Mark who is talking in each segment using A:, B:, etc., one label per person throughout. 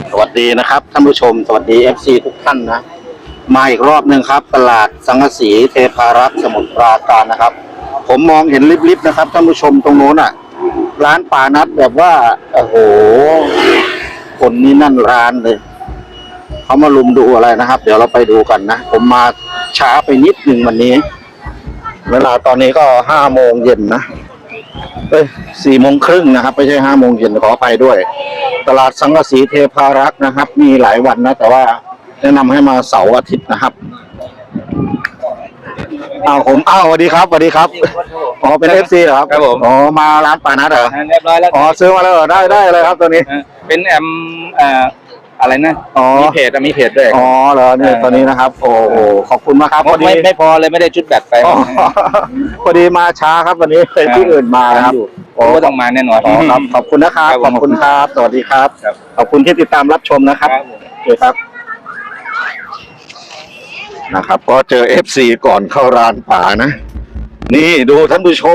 A: สวัสดีนะครับท่านผู้ชมสวัสดี FC ทุกท่านนะมาอีกรอบหนึ่งครับตลาดสังกะสีเทพารักษ์สมุทรปราการนะครับผมมองเห็นลิบๆนะครับท่านผู้ชมตรงโน้นอ่ะร้านป่านัดแบบว่าโอ้โหคนนี้นั่นร้านเลยเขามาลุมดูอะไรนะครับเดี๋ยวเราไปดูกันนะผมมาช้าไปนิดหนึ่งวันนี้เวลาตอนนี้ก็5 โมงเย็นนะ4 โมงครึ่งนะครับไม่ใช่5 โมงเย็นขอไปด้วยตลาดสังกะสีเทพารักษ์นะครับมีหลายวันนะแต่ว่าแนะนำให้มาเสาร์อาทิตย์นะครับสวัสดีครับสวัสดีครับอ๋อเป็น FC เหรอครับ
B: ครับผม
A: อ๋อมาร้านป่านัดเหรอ
B: เรียบร้อยแล้ว
A: อ๋อซื้อมาแล้วเหรอได้เลยครับตัวนี้
B: เป็นแอมอะไรนะมีเพจด้วย
A: อ๋อเหรอเนี่ยตัวนี้นะครับโอ้โหขอบคุณมากครับ
B: ไม่พอเลยไม่ได้ชุดแบตไป
A: พอดีมาช้าครับวันนี้เป็นที่อื่นมาครับ
B: ก็ต้องมาแน่นอน
A: ครับขอบคุณนะครับขอบคุณครับสวัสดีครับขอบคุณที่ติดตามรับชมนะครับโอเคครับนะครับก็เจอ FC ก่อนเข้าร้านป่านะนี่ดูท่านผู้ชม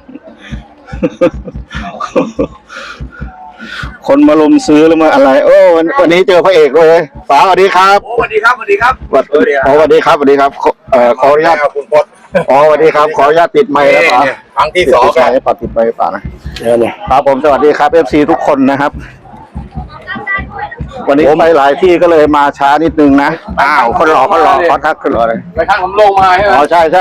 A: คนมาลุมซื้อหรือมาอะไรโอ้วันนี้เจอพระเอกเลยป๋าสวัสดีครับ
B: สวัสดีครับสวัสดีครับ
A: สวัสดีครับขออนุญาตคุณพจน์สวัสดีครับขออนุญาตติดไมค์แล้วป๋า
B: ครั้งที่2
A: ป๋าติดไมค์ป๋านะครับผมสวัสดีครับ FC ทุกคนนะครับวันนี้ไปหลายที่ก็เลยมาช้านิดนึงนะคนรอขอทักขึ้นรอเลย
B: ไปทางผมลงมาใช่ไหม
A: ใช่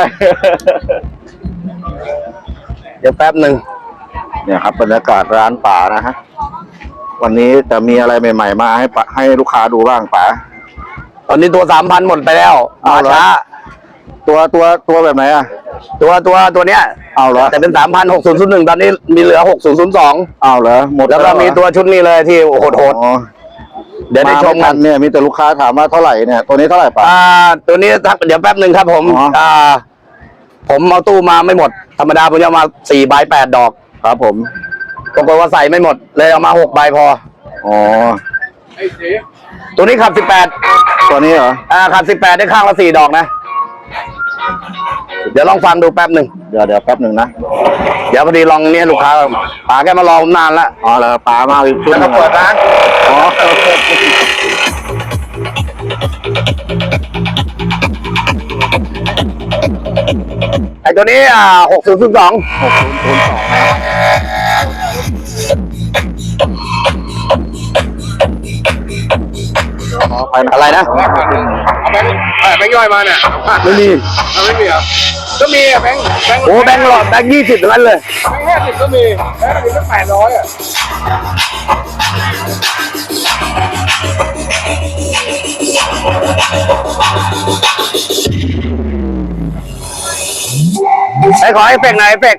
A: เดี๋ยวแป๊บหนึ่งเนี่ยครับบรรยากาศร้านป่านะฮะวันนี้จะมีอะไรใหม่ๆมาให้ลูกค้าดูบ้างป๋า
C: ตอนนี้ตัว 3,000 หมดไปแล้วมาช้า
A: ตัวแบบไหนอ่ะ
C: ตัวเนี้ย
A: เหรอ
C: แต่เป็น 3,000 6001ตอนนี้มีเหลือ6002
A: เหรอหมด
C: แล้วก็มีตัวชุดนี้เลยที่โหด
A: เดี๋ยวได้ชมกันเนี่ยมีแต่ลูกค้าถามว่าเท่าไหร่เนี่ยตัวนี้เท่าไหร่ป๋า
C: ตัวนี้เดี๋ยวแป๊บหนึ่งครับผมผมเอาตู้มาไม่หมดธรรมดาผมจะเอามา4 ใบ 8 ดอก
A: ครับผม
C: ปรากฏว่าใส่ไม่หมดเลยเอามา6 ใบพอตัวนี้ขับ18
A: ตัวนี้เหรอ
C: ขับ18ได้ข้างละ4 ดอกนะเดี๋ยวลองฟังดูแป๊บหนึ่ง
A: เดี๋ยวแป๊บหนึ่งนะ
C: เดี๋ยวพอดีลองเนี่ยลูกค้าป๋าแกมารอผมนานแล้ว
A: เหรอป๋ามาอีกชุด
C: แล้วก็เปิดร้านไอ้ตัวนี้6002อะไรนะ
B: แบงค์ย่อยมาเนี่ย
C: ไม่มี
B: เหรอก็มีแบงค์
C: โอ้แบงค์หลอดแบงค์20ทั้งนั้นเลย
B: แบงค์50ก็มีแบงค์50ก็800
C: ไอ้ขอเอฟเฟกต์หน่อยเอฟเฟกต์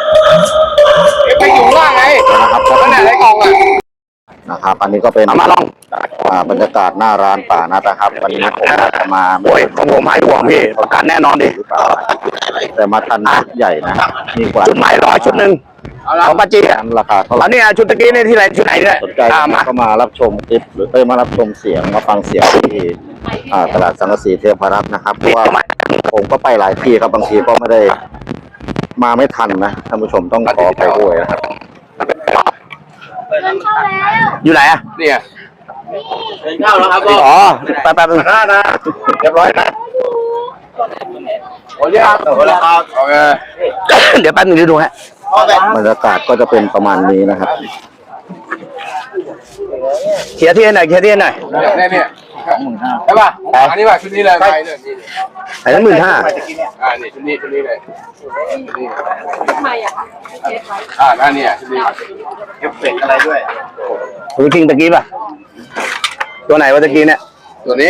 B: อยู่ล่างไง
A: นะครับ
B: ก็เนี่ยไอ้กล่อง
A: นะครับอันนี้ก็เป็น
C: มาลอง
A: บรรยากาศหน้าร้านป่านะครับวันนี้ผมจะมา
C: ของผมให้ห่วงพี่ประกันแน่นอนดิ
A: แต่มาทันใหญ่นะมีกว่า
C: ชุดใหม่100ชุดหนึ่งของป้าจี
A: ราคาเท่าไหร่
C: อันนี้ชุดตะกี้นี่ที่ไหนชุดไหนเนี่ย
A: สนใจก็มารับชมคลิปหรือมารับชมเสียงมาฟังเสียงที่ตลาดสังกะสีเทพารักษ์นะครับเพราะว่าผมก็ไปหลายที่ครับบางทีก็ไม่ได้มาไม่ทันนะท่านผู้ชมต้องขอไปด้วยนะครับ
C: อยู่ไหนอ่ะ
B: เนี่ยเดินเข้าแล้วครับ
C: แป๊บนึง
B: นะเรียบร้อยนะโอเคครับโอเค
C: เดี๋ยวแป๊บนึงดูฮะ
A: บรรยากาศก็จะเป็นประมาณนี้นะครับ
C: เคลียร์ที่ไหน
B: เนี่ยใช่ป่ะอันนี้ป่ะชุดนี้เลยไปเนี่ย
C: ไอ้นั้น15,000
B: นี่ชุดนี้เลยทำไมอ่ะนั่นเนี่ยชุดนี้เอฟเฟกต์อะไรด้วย
C: คุณคิงตะกี้ป่ะตัวไหนวะตะกี้เนี่ย
B: ตัวนี้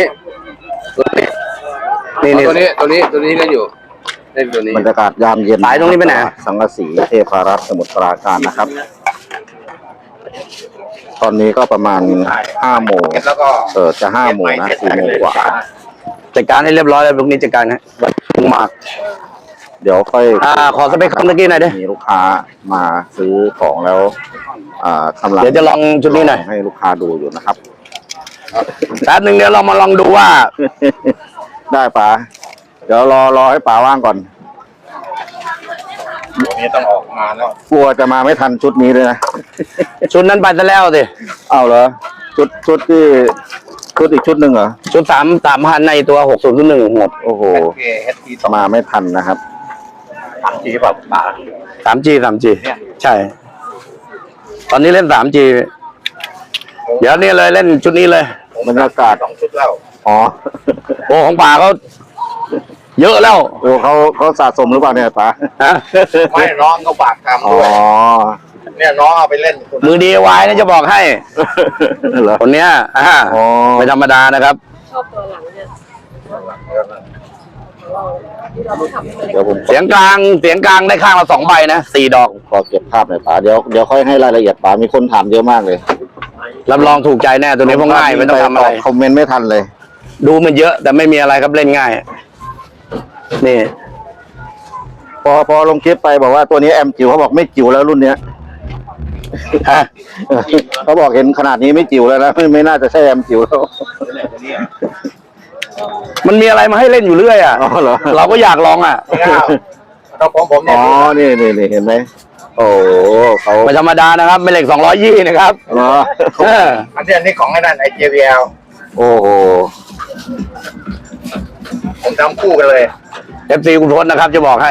B: เล่นอยู่ตัวนี้
A: บรรยากาศยามเย็น
C: สายตรงนี้ไปไหน
A: สังกะสีเทพารักษ์สมุทรปราการนะครับตอนนี้ก็ประมาณ5 โมงจะ5 โมงนะ4 โมงกว่า
C: จัดการให้เรียบร้อยแล้วพวกนี้จัดการให้มาก
A: เดี๋ยวค่อย
C: ขอสเปคคำตะกี้หน่อยดิ
A: มีลูกค้ามาซื้อของแล้ว
C: เดี๋ยวจะลองชุดนี้หน่อย
A: ให้ลูกค้าดูอยู่นะครับ
C: แป๊บนึงเดี๋ยวเรามาลองดูว่า
A: ได้ป๋าเดี๋ยวรอให้ป๋าว่างก่อน
B: นี่ต้องออกมาแล้ว
A: กลัวจะมาไม่ทันชุดนี้เลยนะ
C: ชุดนั้นไปซะแล้วสิ
A: เหรอชุดที่ชุดอีกชุดหนึ่งเหรอ
C: ชุด3,000ในตัว6001หมด
A: โอ้โห
B: HT
A: มาไม่ทันนะครับ
B: 3G แบบบาท
C: 3G ใช่ ตอนนี้เล่น 3G เดี๋ยวนี้เลยเล่นชุดนี้เลย
A: บรรยากาศ
B: 2 ชุดแล้ว
A: อ๋อ
C: โอ้ของป่าเขาเยอะแล้ว
A: โอ้เขาสะสมหรือเปล่าเนี่ยป๋า
C: ฮะ
B: ไม่น้องเขาฝากทำ
A: อ๋อ
B: ด้วยเนี่ยน้องเอาไปเล่น
C: มือดีไว้นะจะบอกให้
A: เหรอ
C: คนเนี้ย
A: อ๋อ
C: ไม่ธรรมดานะครับ
D: ชอบตัวหลังเนี่ยเราต้องทำให้มันเล็ก
A: เดี๋ยวผม
C: เสียงกลางได้ข้างละ2 ใบนะ4 ดอก
A: ขอเก็บภาพหน่อยป๋าเดี๋ยวค่อยให้รายละเอียดป๋ามีคนถามเยอะมากเลย
C: รับรองถูกใจแน่ตัวนี้เพราะง่ายไม่ต้องทำอะไร
A: คอมเมนต์ไม่ทันเลย
C: ดูมันเยอะแต่ไม่มีอะไรครับเล่นง่าย นี่
A: พอลงคลิปไปบอกว่าตัวนี้แอมจิ๋วเขาบอกไม่จิ๋วแล้วรุ่นเนี้ย
C: ฮะ
A: เขาบอกเห็นขนาดนี้ไม่จิ๋วแล้วนะไม่น่าจะใช่แอมจิ๋วแล้ว
C: มันมีอะไรมาให้เล่นอยู่เรื่อยอ่ะ
A: อ๋อเหรอ
C: เราก็อยากลองอ่ะ
B: เราผมเนี่
A: อ๋
B: ย
A: อนี่เห็นไหมโอ้โหเขา
C: ไม่ธรรมดานะครับเป็นเหล็ก220นะครับ
A: เหรอ
C: เออ
B: อันนี้ของไอ้นั่นไอ้ JBL
A: โอ้โห
B: ผมทำคู่กันเลย
C: FC คุณพลนะครับจะบอกให้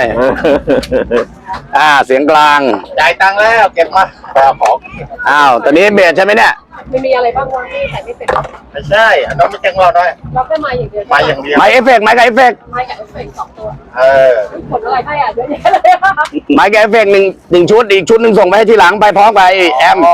C: เสียงกลาง
B: จ่ายตังค์แล้วเก็บมาของ
C: อ้าวตอนนี้เบสใช่ไหมเนี่ย
D: ไม่มีอะไรบ้างวะที่ใส่ไม่เป็น
B: ไม่ใช่อันนั้นไม่แจ้งเราด้วย
D: เราแค่มาอย่างเดียว
B: มาอย่างเดียว
C: ไม้เอฟเฟกต์ไม้กับเอฟเฟกต์
D: ไม้กับเอฟเฟกต์2 ตัว
B: เออ
D: ผลอะไรให้อ่ะเยอะแยะเลยอะ
C: ไม้กับเอฟเฟกต์หนึ่งชุดอีกชุดหนึ่งส่งไปให้ทีหลังไปพร้อมกับไอ้แอม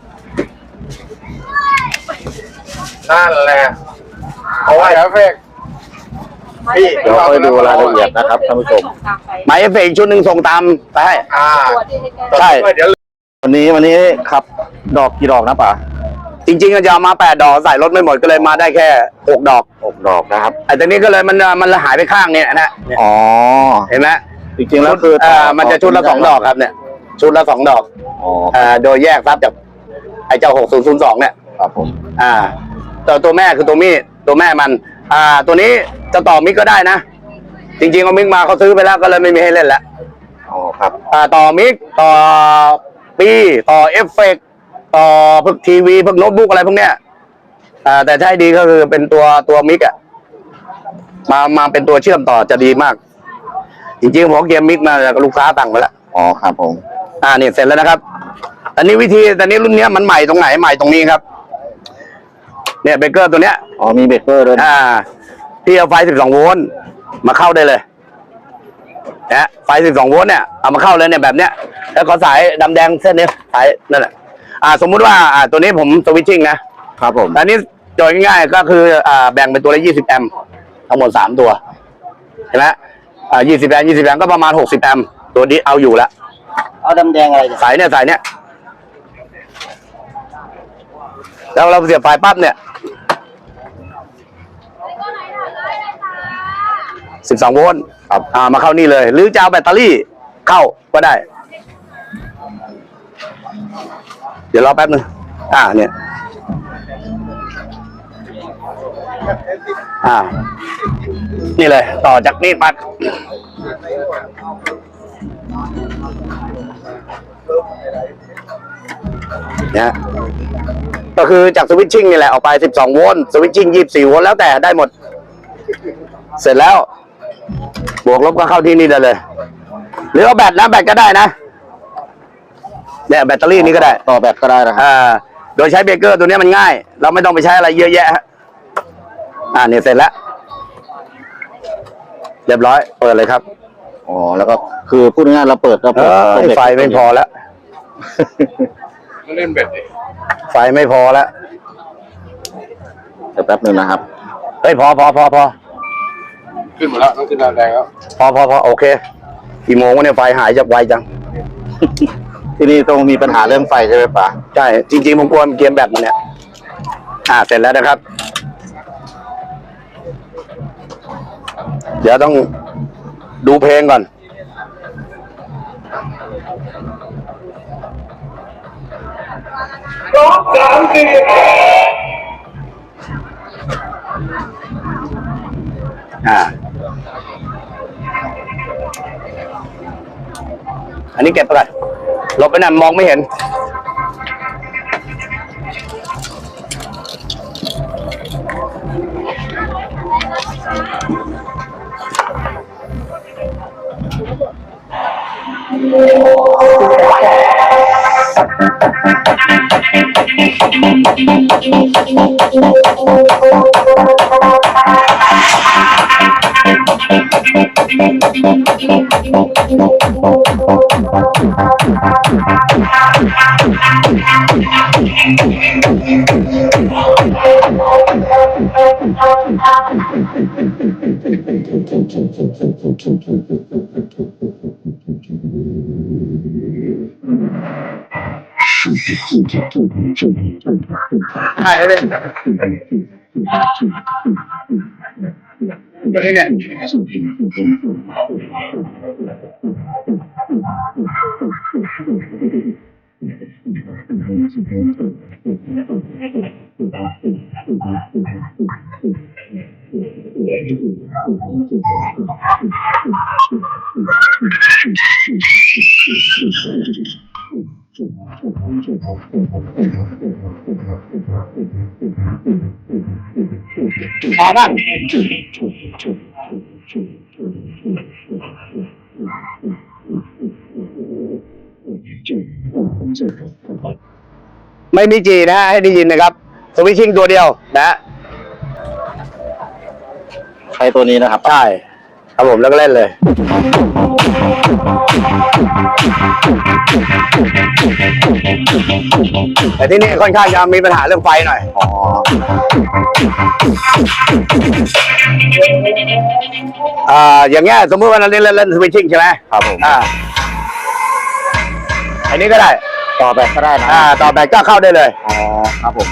B: นั่นแหละเพราะว่าเอฟเฟกต์ พี่
A: เดี๋ยวค่อยดูรายละเอียดนะครับท่านผู้ชม
C: ไม้เอฟเฟกต์อีกชุดหนึ่งส่งตามไปให้
D: ตัวที่ให้แก้
C: ใช่
B: เดี๋ยว
A: วันนี้ขับดอกกี่ดอกนะป๋า
C: จริงๆก็จะเอามา8 ดอกใส่รถไม่หมดก็เลยมาได้แค่6 ดอก
A: 6 ดอกนะครับ
C: ไอ้ตัวนี้ก็เลยมันหายไปข้างเนี่ยนะเนี่ย
A: อ๋อ
C: เห็นไหม
A: จริงๆแล้วคือ
C: มันจะชุดละ2 ดอกครับเนี่ย ชุดละ2 ดอก
A: อ๋อ
C: โดยแยกทรัพย์จากไอ้เจ้า6002เนี่ย
A: ครับผม
C: ตัวแม่คือตัวมีดตัวแม่มัน ตัวนี้จะต่อมิกก็ได้นะ จริงๆเอามิกมาเขาซื้อไปแล้วก็เลยไม่มีให้เล่นแล้ว
A: อ๋อครับ
C: ต่อมิกต่อปีต่อเอฟเฟกต์ต่อพวกทีวีพวกโน้ตบุ๊กอะไรพวกเนี้ยแต่ถ้าให้ดีก็คือเป็นตัวมิกอะมาเป็นตัวเชื่อมต่อจะดีมาก จริงๆผมเกมมิกมาจากลูกค้าสั่งไปแล้ว
A: อ๋อครับผม
C: เนี่ยเสร็จแล้วนะครับอันนี้แต่นี้รุ่นเนี้ยมันใหม่ตรงไหนใหม่ตรงนี้ครับ เนี่ยเบเกอร์ตัวเนี้ย
A: อ๋อมีเบรกเกอร์ด้วยนะ
C: ที่เอาไฟ12 โวลต์มาเข้าได้เลยนะไฟ12 โวลต์เนี่ยเอามาเข้าเลยเนี่ยแบบเนี้ยแล้วขอสายดำแดงเส้นนี้สายนั่นแหละสมมุติว่าตัวนี้ผมสวิตชิ่งนะครับ
A: ผม
C: อันนี้โจทย์ง่ายๆก็คือแบ่งเป็นตัวละ20 แอมป์ทั้งหมด3 ตัวเห็นไหม20 แอมป์20 แอมป์ก็ประมาณ60 แอมป์ตัวนี้เอาอยู่แล้ว
A: เอาดำแดงอะไร
C: สายเนี่ยแล้วเราเสียบไฟปั๊บเนี่ย12 โวลต์ครับมาเข้านี่เลย หรือจะเอาแบตเตอรี่เข้าก็ได้ เดี๋ยวรอแป๊บนึงเนี่ยนี่เลยต่อจากนี่ปั๊บเนี่ยก็คือจากสวิตชิ่งนี่แหละออกไป12 โวลต์สวิตชิ่ง24 โวลต์แล้วแต่ได้หมด เสร็จแล้วบวกลบก็เข้าที่นี่ได้เลย หรือเอาแบตก็ได้นะเนี่ยแบตเตอรี่นี้ก็ได้
A: ต่อแบตก็ได้นะครับ
C: โดยใช้เบรกเกอร์ตัวนี้มันง่าย เราไม่ต้องไปใช้อะไรเยอะแยะเนี่ยเสร็จแล้วเรียบร้อยเปิดเลยครับ
A: อ๋อแล้วก็คือพูดง่ายๆเราเปิด
C: ไฟไม่พอแล้ว
B: เล่นเบ็ดดิ
C: ไฟไม่พอแล้ว
A: เดี๋ยวแป๊บนึงนะครับ
C: เฮ้ยพอ
B: ขึ้นหมดแล้วต้องขึ้นแรงแล้ว
C: พอโอเคกี่โมงวะเนี่ยไฟหายจากไวจัง
A: ที่นี่ต้องมีปัญหาเรื่องไฟใช่ไหมป๋า
C: ใช่จริงๆผมกลัวเกมแบตมันเนี่ยเสร็จแล้วนะครับ เดี๋ยวต้องดูเพลงก่อนอันนี้เก็บไปก่อนลบไปหน่อยมองไม่เห็นใช่เลยตัวนี้เนี่ยพอบ้างไม่มีจีนะให้ได้ยินนะครับสวิตชิ่งตัวเดียวนะ
A: ใช้ตัวนี้นะครับ
C: ใช่ครับผมแล้วก็เล่นเลยแต่ที่นี่ค่อนข้างจะมีปัญหาเรื่องไฟหน่อย
A: อ๋อ
C: อย่างเงี้ยสมมติว่าเราเล่นสวิตชิ่งใช่ไหม
A: ครับผม
C: อันนี้ก็ได้
A: ต่อแบตก็ได้นะ
C: ต่อแบตก็เข้าได้เลย
A: อ๋อครับผม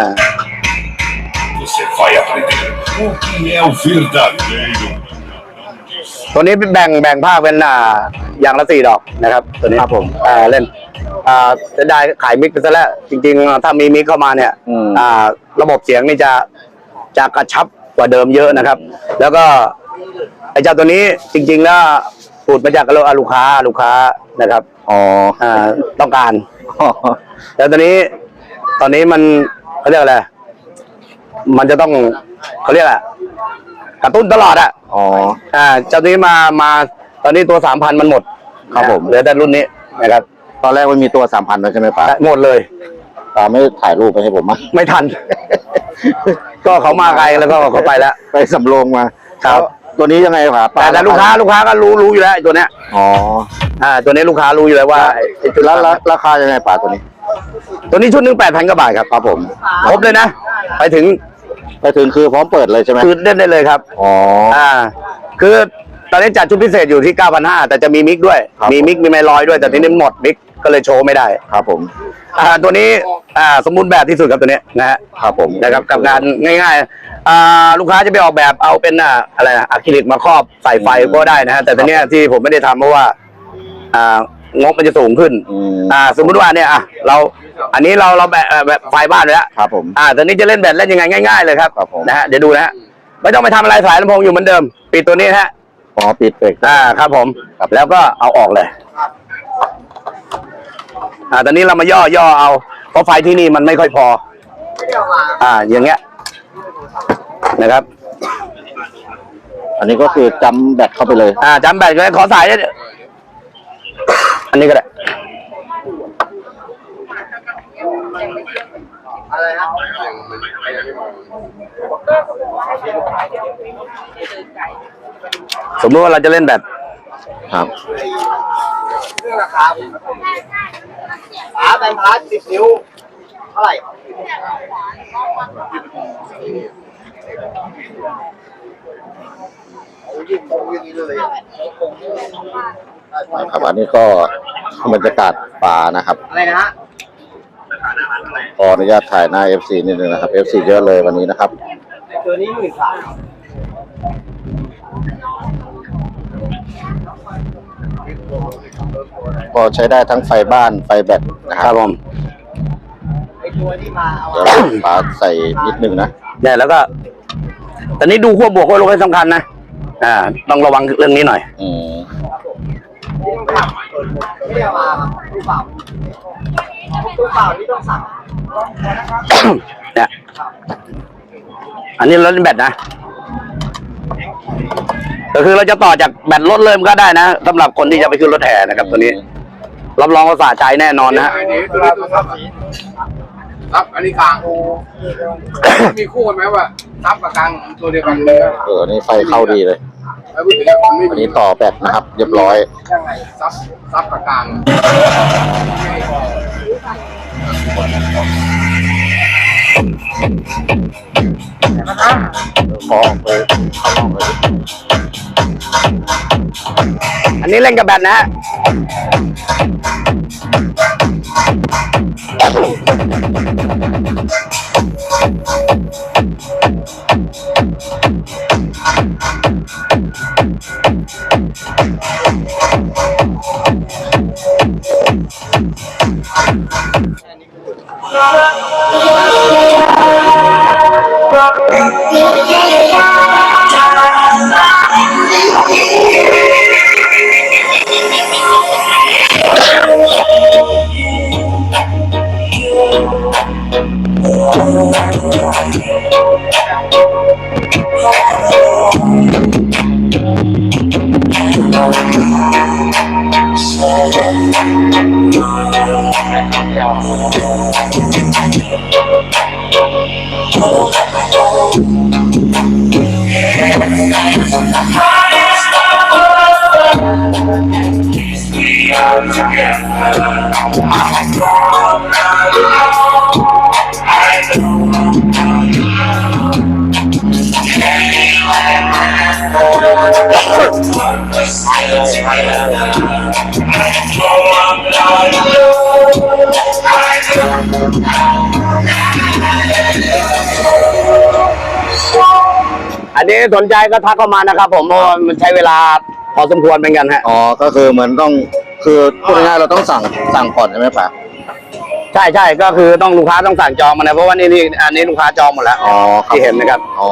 E: Você vai aprender o que é o verdadeiro.
C: ตัวนี้แบ่งภาคเป็นอย่างละ4 ดอกนะครับตัวนี้
A: ครับผม
C: เล่นจะได้ขายมิกไปซะแล้วจริงๆถ้ามีมิกเข้ามาเนี่ยระบบเสียงนี่จะกระชับกว่าเดิมเยอะนะครับ แล้วก็ไอ้เจ้าตัวนี้จริงๆแล้วสูตรมาจากลูกค้านะครับ
A: อ๋อ
C: ต้องการแล้วตอนนี้มันเขาเรียกอะไรมันจะต้องเขาเรียกอะไรกระตุ้นตลอดอ่ะ
A: อ๋อ
C: เจ้านี้มาตอนนี้ตัว 3,000 มันหมด
A: ครับผม
C: เหลือแต่รุ่นนี้นะครับ
A: ตอนแรกมันมีตัว 3,000แล้วใช่ไหมป๋า
C: หมดเลย
A: ป๋าไม่ถ่ายรูปไปให้ผมมั้ย
C: ไม่ทัน ก็เขามาไกลแล้วก็เขาไปแล้ว
A: ไปสำโรงมา
C: ครับ
A: ตัวนี้ยังไงป๋า
C: แต่ลูกค้าก็รู้อยู่แล้วไอ้ตัวเนี้ย
A: อ๋อ
C: ตัวนี้ลูกค้ารู้อยู่แล้วว่าไอ้ตัว
A: แล้วราคายังไงป๋าตัวนี้
C: ตัวนี้ชุดหนึง 8,000 กว่าบาทครับ
A: ครับผม
C: ครบเลยนะไปถึง
A: คือพร้อมเปิดเลยใช่ไหม
C: คือเล่นได้เลยครับ
A: อ๋อ
C: คือตอนนี้จัดชุดพิเศษอยู่ที่ 9,500 แต่จะมีมิกด้วย
A: ครับ
C: มีมิกมีไมค์ลอยด้วยแต่ทีนี้หมดมิกก็เลยโชว์ไม่ได้
A: ครับผม
C: ตัวนี้สมบูรณ์แบบที่สุดครับตัวนี้นะฮะ
A: ครับผม
C: นะครับกับงานง่ายๆลูกค้าจะไปออกแบบเอาเป็นอะไรอะคริลิกมาครอบใส่ไฟก็ได้นะฮะแต่ตอนนี้ที่ผมไม่ได้ทำเพราะว่างบมันจะสูงขึ้น สมมุติว่าเนี่ยอันนี้เราแบบไฟบ้านไปแล้ว
A: ครับผม
C: ตอนนี้จะเล่นแบบเล่นยังไงง่ายๆเลยครับ
A: ครับผม
C: นะฮะเดี๋ยวดูนะฮะไม่ต้องไปทำอะไรสายลำโพงอยู่เหมือนเดิมปิดตัวนี้ฮะ
A: อ๋อปิดเบรก
C: ครับผมแล้วก็เอาออกเลยตอนนี้เรามาย่อเอาเพราะไฟที่นี่มันไม่ค่อยพออย่างเงี้ยนะครับ
A: อันนี้ก็คือจำแบตเข้าไปเลย
C: จำแบตเลยขอสายได้อันนี้ก็ได้สมมติว่าเราจะเล่นแบบ
A: ครับ
F: แบงค์พัด10 นิ้วเท่าไหร่
A: ครับอันนี้ก็บรรยากาศป่านะครับ
F: อะไรนะฮะ
A: ขออนุญาตถ่ายหน้า FC นิดนึงนะครับ FC เยอะเลยวันนี้นะครับ
F: ตัวนี้13,000
A: ก็ใช้ได้ทั้งไฟบ้านไฟแบตนะค
C: ค
A: รั
C: รั
A: บบ
C: ผม
F: ไอตัวที่มาเอา
A: เดี๋ยวป๋าใส่นิดนึงนะ
C: เนี่ยแล้วก็ตอนนี้ดูขั้วบวกขั้วลบให้สำคัญนะต้องระวังเรื่องนี้หน่อย
A: อืม
F: ไม่ได้เอามาครับตู้เปล่าที่ต้องสั่ง
C: เนี่ยอันนี้รถแบตนะก็คือเราจะต่อจากแบตรถเริ่มก็ได้นะสำหรับคนที่จะไปขึ้นรถแห่นะครับ ตัวนี้รับรองว่าสะใจแน่นอนนะฮะ
B: ซับอันนี้กลางมีคู่กันไหมว่าซับกับกลางตัวเดียวกันเลย
A: นี่ไฟเข้าดีเลย
B: ไม่พูดถึงมันไม่
A: อัน
B: มี
A: นี้ต่อแบตนะครับ เรียบร้อย
B: ยังไงซับกับกลาง
A: ขอออกไปข้างนอกเลย
C: อันนี้เล่นกับแบตนะฮะ อันนี้สนใจก็ทักเข้ามานะครับผมเพราะว่ามันใช้เวลาพอสมควรเป็นกันฮะ
A: อ๋อ ก็คือเหมือนต้อง คือพูดง่ายๆเราต้องสั่งก่อนใช่ไหมป่ะ
C: ใช่ก็คือต้องลูกค้าต้องสั่งจองมานะเพราะว่านี่อันนี้ลูกค้าจองหมดแล้ว
A: อ๋อครับ
C: ที่เห็นนะครับ
A: อ๋อ